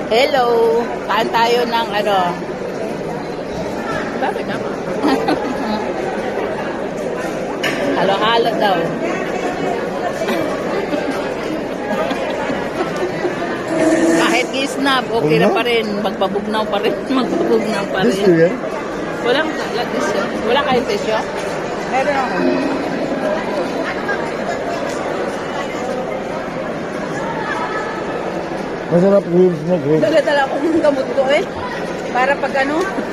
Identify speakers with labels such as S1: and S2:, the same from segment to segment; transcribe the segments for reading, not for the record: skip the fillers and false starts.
S1: Hello! Kaan tayo ng ano?
S2: Bakit naman?
S1: Halo-halo daw. Kahit gisnab, okay na pa rin. Magpabugnaw pa rin. Magpabugnaw pa rin.
S3: Gusto yan?
S1: Walang tisyo. Wala kayong tisyo?
S2: Meron ako.
S3: Masarap grapes na grapes.
S2: Dala-dala akong gamot ko eh. Para pag ano.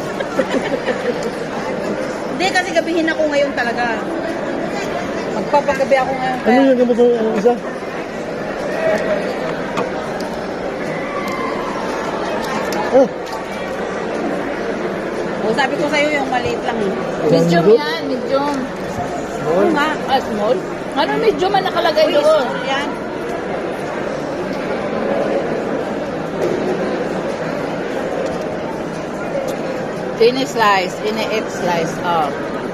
S2: Hindi, kasi gabihin ako ngayon talaga. Magpapagabi ako ngayon.
S3: Ano yung gamot ng isa? Oh,
S2: O, sabi ko sa'yo yung maliit lang eh.
S1: Medium
S3: Lambot?
S1: yan, medium.
S2: Oo nga.
S1: Ah, small? Ano medium man nakalagay
S2: Uy,
S1: doon?
S2: small yan.
S1: Thin slice, ini-8 slice. Oh.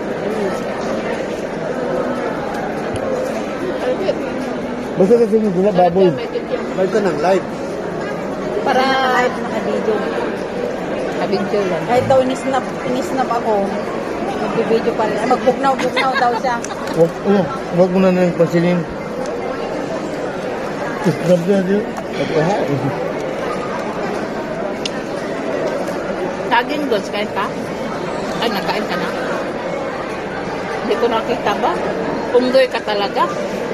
S3: basta sa sunod na baboy.
S4: Balik ka ng live.
S2: Para live naka-video.
S1: Kabidyo lang.
S2: Kahit daw inisnap ako, mag-video pa rin. Ay, magbugnaw-bugnaw daw siya.
S3: Wag mo na nang pansinin. Isnab na din. Pagkahain.
S1: Saging goods, kain ka? Ay, nakain ka na? Hindi ko nakita ba? Punggoy ka talaga.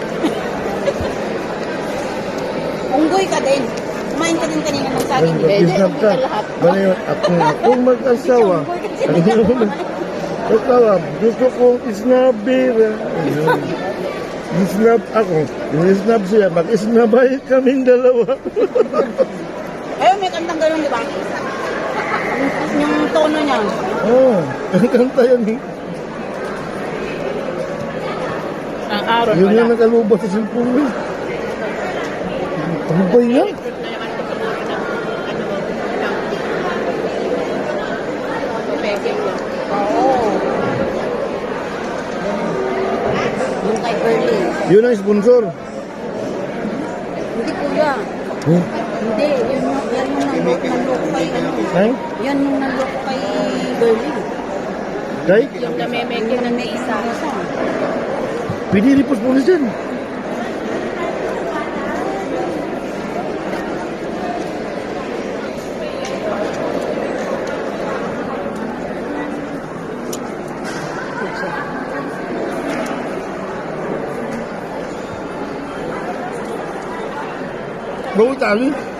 S2: Unggoy ka din. Kumain ka din kanina ng saging.
S3: Isnab ka. Bali yun, akong mag-asawa. Asawa, gusto kong isnabir. Isnab ako. Isnab siya. Mag-isnabay kaming dalawa.
S2: Ayun, may kantang gano'n, di ba? Yung tono niya.
S3: Oh, ang kanta yan eh.
S1: Ang araw
S3: Yun
S1: wala.
S3: yung nakalubas sa cellphone mo. Ano ba yan?
S2: Oo. Yung kay Berlin.
S3: Yun ang sponsor.
S2: Hindi kuya.
S3: Hmm?
S2: Hindi, yan yung nanloko kay ano.
S3: Ay?
S2: Yan yung nanloko kay Berlin.
S3: Kay?
S2: Yung namemeke na may isa-isa.
S3: Pwede repost mo na dyan. Bawa tali.